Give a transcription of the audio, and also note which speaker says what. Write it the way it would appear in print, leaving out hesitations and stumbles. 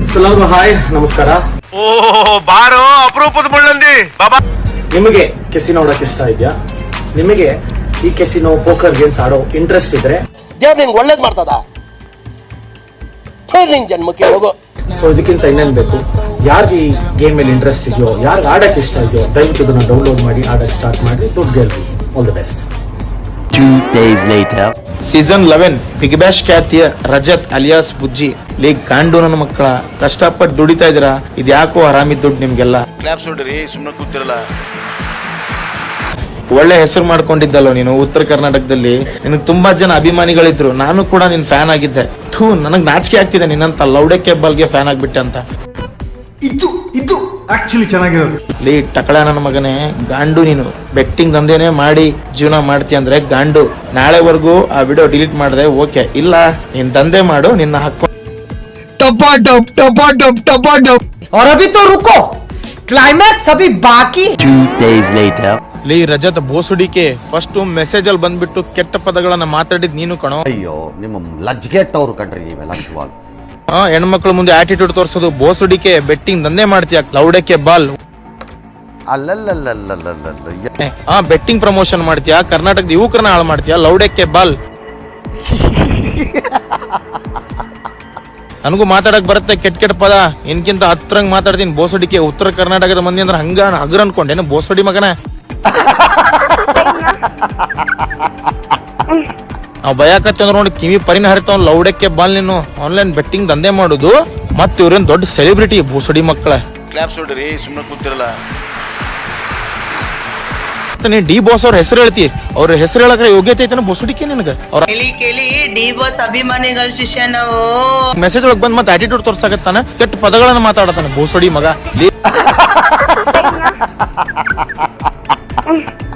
Speaker 1: ಎಲ್ಲರಿಗೂ ಹಾಯ್ ನಮಸ್ಕಾರ.
Speaker 2: ಓ ಬಾರೋ ಅಪರೂಪದ ಮುಳ್ಳಂದಿ ಬಾಬಾ.
Speaker 1: ನಿಮಗೆ ಕೆಸಿನೋ ಆಡೋಕೆ ಇಷ್ಟ ಇದೆಯಾ? ನಿಮಗೆ ಈ ಕೆಸಿನೋ ಪೋಕರ್ ಗೇಮ್ಸ್ ಆಡೋ ಇಂಟ್ರೆಸ್ಟ್ ಇದ್ರೆ
Speaker 3: ದೇವ್ರು ನಿಂಗೆ ಒಳ್ಳೇದ್ ಮಾಡ್ತದ, ನಿಂಗೆ ಜನ್ಮಕ್ಕೆ ಹೋಗೋ.
Speaker 1: ಸೊ ಇದಕ್ಕಿಂತ ಇನ್ನೇನ್ ಬೇಕು? ಯಾರಿಗೆ ಈ ಗೇಮ್ ಮೇಲೆ ಇಂಟ್ರೆಸ್ಟ್ ಇದೆಯೋ, ಯಾರಿಗೆ ಆಡಕ್ಕೆ ಇಷ್ಟ ಇದೆಯೋ ದಯವಿಟ್ಟು ಇದನ್ನ ಡೌನ್ಲೋಡ್ ಮಾಡಿ ಆಡಕ್ಕೆ ಸ್ಟಾರ್ಟ್ ಮಾಡಿ. ದುಡ್ಡು ಗೆಲ್ರಿ. All the best.
Speaker 4: 2 days later.
Speaker 5: Season 11 Bigg Boss ಖ್ಯಾತಿಯ ರಜತ್ ಅಲಿಯಾಸ್ ಬುಜ್ಜಿ ಲೀಗ್ ಗಾಂಡು ನನ್ನ ಮಕ್ಕಳ ಕಷ್ಟಪಟ್ಟು ದುಡಿತಾ ಇದೀರಾ. ಇದ್ಯಾಕೋ ಆರಾಮಿದ್ ದುಡ್ಡು ನಿಮ್ಗೆಲ್ಲ.
Speaker 2: ಕ್ಲಾಪ್ಸ್ ಹೊಡ್ರಿ, ಸುಮ್ಮನೆ ಕೂತಿರಲ್ಲ.
Speaker 5: ಒಳ್ಳೆ ಹೆಸರು ಮಾಡ್ಕೊಂಡಿದ್ದಲ್ಲೋ ನೀನು ಉತ್ತರ ಕರ್ನಾಟಕದಲ್ಲಿ. ನಿನಗೆ ತುಂಬಾ ಜನ ಅಭಿಮಾನಿಗಳಿದ್ರು, ನಾನು ಕೂಡ ನಿನ್ ಫ್ಯಾನ್ ಆಗಿದ್ದೆ. ನನಗ್ ನಾಚಿಕೆ ಆಗ್ತಿದೆ ನಿನ್ನಂತ ಲೌಡಕ್ಕೆ ಬಾಲ್ಗೆ ಫ್ಯಾನ್ ಆಗ್ಬಿಟ್ಟೆ ಅಂತ.
Speaker 6: ಇದು ಆಕ್ಚುಲಿ ಚೆನ್ನಾಗಿರೋದು.
Speaker 5: ಲೀ ಟಕಳ ನನ್ನ ಮಗನೇ, ಗಾಂಡು ನೀನು ಬೆಟ್ಟಿಂಗ್ ದಂಧೆನೆ ಮಾಡಿ ಜೀವನ ಮಾಡ್ತೀಯ ಅಂದ್ರೆ ಗಾಂಡು. ನಾಳೆವರೆಗೂ ಆ ವಿಡಿಯೋ ಡಿಲೀಟ್ ಮಾಡಿದೆ ಓಕೆ, ಇಲ್ಲ ನೀನ್ ದಂಧೆ ಮಾಡು, ನಿನ್ನ ಹಾಕೋ.
Speaker 7: और अभी तो रुको, क्लाइमैक्स अभी बाकी.
Speaker 4: 2 days later.
Speaker 5: ಲೀ ರಜತ್ ಬೋಸುಡಿಕೆ ಫಸ್ಟ್ ಮೆಸೇಜ್ ಅಲ್ಲಿ ಬಂದ್ಬಿಟ್ಟು ಕೆಟ್ಟ ಪದಗಳನ್ನ ಮಾತಾಡಿದ್ ನೀನು ಕಣೋ.
Speaker 3: ಅಯ್ಯೋ ನಿಮ್ಮ ಲಜ್ಗೆಟ್ಟವ್ರು ಕಣ್ರಿ ನೀವೆಲ್ಲ ನಿಜವಾಗ್ಲು.
Speaker 5: ಹೆಣ್ಮಕ್ಳ ಮುಂದೆ ಆಟಿಟ್ಯೂಡ್ ತೋರ್ಸೋದು. ಬೋಸುಡಿಕೆ ಬೆಟ್ಟಿಂಗ್ ದಂಧೆ ಮಾಡ್ತೀಯ, ಲೌಡಕ್ಕೆ ಬಾಲ್.
Speaker 3: ಅಲ್ಲಲ್ಲಲ್ಲಲ್ಲಲ್ಲಲ್ಲ
Speaker 5: ಬೆಟ್ಟಿಂಗ್ ಪ್ರಮೋಷನ್ ಮಾಡ್ತೀಯ, ಕರ್ನಾಟಕದ ಯುವಕರನ್ನ ಹಾಳು ಮಾಡ್ತೀಯ, ಲೌಡಕ್ಕೆ ಬಾಲ್. ನನಗೂ ಮಾತಾಡಕ್ ಬರುತ್ತೆ ಕೆಟ್ಟ ಪದ, ಇನ್ಕಿಂತ ಹತ್ರಂಗ್ ಮಾತಾಡ್ತೀನಿ. ಬೋಸಡಿಕೆ ಉತ್ತರ ಕರ್ನಾಟಕದ ಮಂದಿ ಅಂದ್ರೆ ಹಂಗ ಹಗ್ರ ಅನ್ಕೊಂಡೇನು ಬೋಸಡಿ ಮಗನ. ನಾವ್ ಭಯಕತ್ತಂದ್ರ ನೋಡಿ ಕಿವಿ ಪರಿನ ಹರಿತಾವ್. ಲೌಡಕ್ಕೆ ಬಾಲ್ ನೀನು ಆನ್ಲೈನ್ ಬೆಟ್ಟಿಂಗ್ ದಂಧೆ ಮಾಡುದು, ಮತ್ ಇವ್ರೇನ್ ದೊಡ್ಡ ಸೆಲೆಬ್ರಿಟಿ ಬೋಸಡಿ ಮಕ್ಕಳ.
Speaker 2: ಕ್ಲಾಪ್ಸ್ ಹೊಡ್ರಿ, ಸುಮ್ಮನೆ ಕೂತಿರಲ್ಲ.
Speaker 5: ನೀನ್ ಡಿ ಬಾಸ್ ಅವ್ರ ಹೆಸರು ಹೇಳ್ತಿ, ಅವ್ರ ಹೆಸರು ಹೇಳಕ್ರೆ ಯೋಗ್ಯತೆ ಐತನ ಬೋಸಡಿಕೆ ನಿನಗ? ಅವ್ರ
Speaker 8: ಡಿ ಬಾಸ್ ಅಭಿಮಾನಿಗಳ ಶಿಷ್ಯ ನಾವು.
Speaker 5: ಮೆಸೇಜ್ ಒಳಗ್ ಬಂದ್ ಮತ್ತೆ ಆಟಿಟ್ಯೂಡ್ ತೋರ್ಸಾಕತ್ತಾನ, ಕೆಟ್ಟ ಪದಗಳನ್ನ ಮಾತಾಡತಾನ ಬೋಸಡಿ ಮಗ.